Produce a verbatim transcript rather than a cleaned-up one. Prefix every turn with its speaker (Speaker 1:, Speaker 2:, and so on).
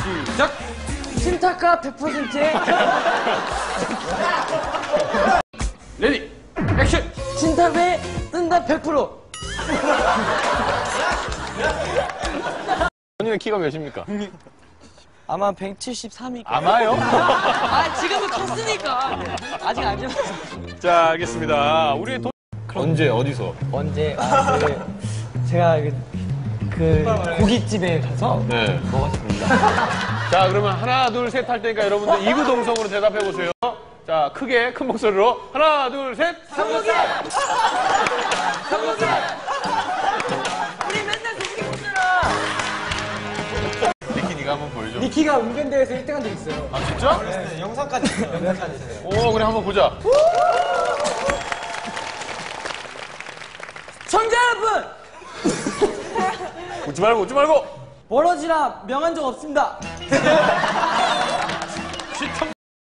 Speaker 1: 시작!
Speaker 2: 신타카 백 퍼센트의
Speaker 1: 레디, 액션!
Speaker 2: 신탑에 뜬다 백 퍼센트.
Speaker 1: 본인의 키가 몇입니까?
Speaker 2: 아마 백칠십삼일 거예요.
Speaker 1: 아마요?
Speaker 2: 아, 지금은 컸으니까. 아직 안 지났어.
Speaker 1: 자, 알겠습니다. 우리의 돈. 언제, 어디서?
Speaker 2: 언제, 아, 그, 제가 그, 그 고깃집에 가서
Speaker 1: 네.
Speaker 2: 먹었습니다.
Speaker 1: 자, 그러면 하나, 둘, 셋 할 테니까 여러분들 이구동성으로 대답해 보세요. 자, 크게, 큰 목소리로. 하나, 둘, 셋.
Speaker 2: 성공해! 성공해! 우리 맨날 그렇게 먹잖아.
Speaker 1: 니키, 니가 한번 보여줘.
Speaker 2: 니키가 운전대회에서 일 등 한 적 있어요.
Speaker 1: 아, 진짜?
Speaker 2: 네, 영상까지 있어요. 영상까지 있어요.
Speaker 1: 오, 그래, 한번 보자.
Speaker 2: 청자 여러분!
Speaker 1: 웃지 말고, 웃지 말고!
Speaker 2: 멀어지라 명한 적 없습니다.